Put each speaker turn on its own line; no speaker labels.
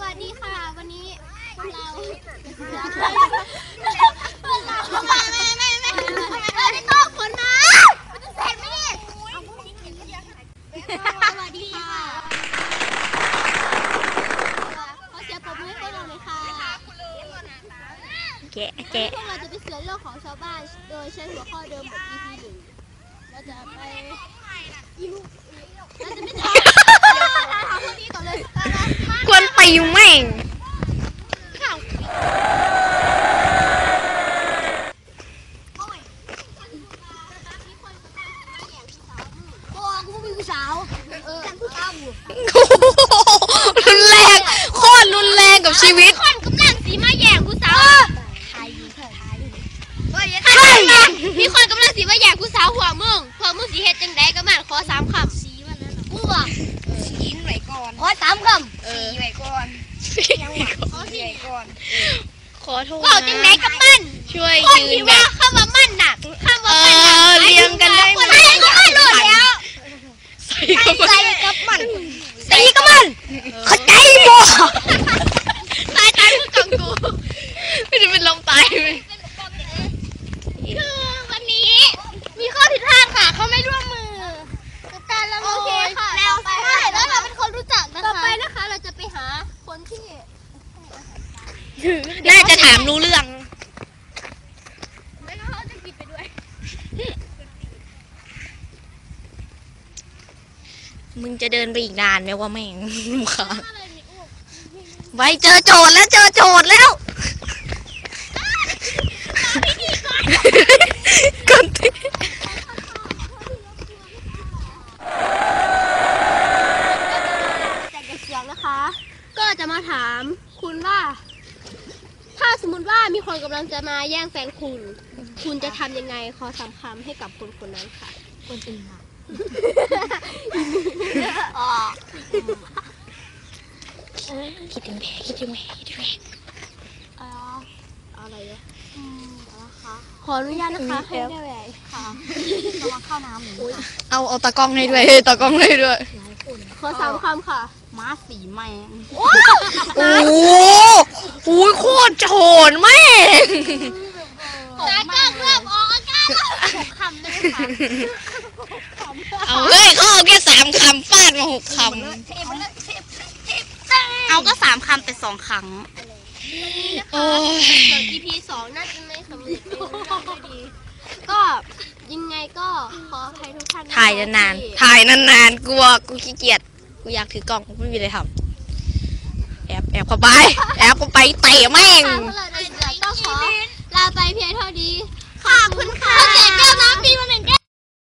วัสดีค่ะวันนี้พวกเราไม่ต้องผลมาจะเสร็จไหมเนี่ยสวัสดีค่ะขอเสียงปรบมือให้พวกเราเลยค่ะ
แกะ
พวกเราจะไปเสือเรื่องของชาวบ้านโดยใช้หัวข้อเดิมบท EP 1เราจะไปเราจะไม่ถามคนนี้ก่อนเลย
กวนตีแม่งรุนแรงโคตรรุนแรงกับชีวิต
คนกำลังสีมาแย่งผู้สาวมีคนกำลังสีมาแย่งผู้สาวหัวมึงสีเฮ็ดจังไดก็มาขอ3 คำสีวันนั้นกูอ่ะ
สีไว้ก่อน
ขอ3 คำ
สีไว้ก่อนยังหวังสีไว้ก่อน
ขอโทษ
บอกจังไดกับมัน
ช่วยยืน
ว่าคำว่ามันน่ะคำว่ามันน่ะ
เรียงกันได้ไหม
ใส่ก็มันหลุดแล้ว
ใส่กับมัน
ตีกับมัน
เข้าใจบ่
ตายคือกังกู
ไม่ได้เป็นลมตายไหม
คือวันนี้มีข้อผิดพลาดค่ะเขาไม่ร่วมมือกับการละโมยแล้วใช่แล้วเราเป็นคนรู้จักนะคะต่อไปนะคะเราจะไปหาคนที่
น่าจะถามรู้เรื่อง
ไม่งั้นเขาจะกินไปด้วย
มึงจะเดินไปอีกนานไหมว่าแม่งค่ะไว้เจอโจทย์แล้วก่อนที่
แต่เสียงนะคะก็จะมาถามคุณว่าถ้าสมมติว่ามีคนกำลังจะมาแย่งแฟนคุณจะทำยังไงขอ3 คำให้กับคนคนนั้นค่ะ
คนอื่นค่ะคิดถึงแม่
อะไรอ่ะขออนุญาตนะคะให้ได้แหวนค่ะ
ระวังเข้าน้ำหนู
เอาตากล้องให้ด้วยตากล้องให้ด้วย
ขอ3 คำค่ะ
ม้าสีแมง
โอ้โหโคตรโฉนแม่ง
ตากล้องเริ่มออกอาการ6 คำเลยค่ะ
เอาเฮ้ยเขาเอาแค่3 คำฟาดมา6 คำ
เอาก็3 คำเป็น2 ครั้ง
โอ้ย
EP 2น่าจะไม่สำเร็จไม่ดีก็ยังไงก็ขอให้ทุกท่าน
ถ่ายนานๆกูขี้เกียจกูอยากถือกล้องไม่มีอะไรทำแอบเข้าไปเตะแม่ง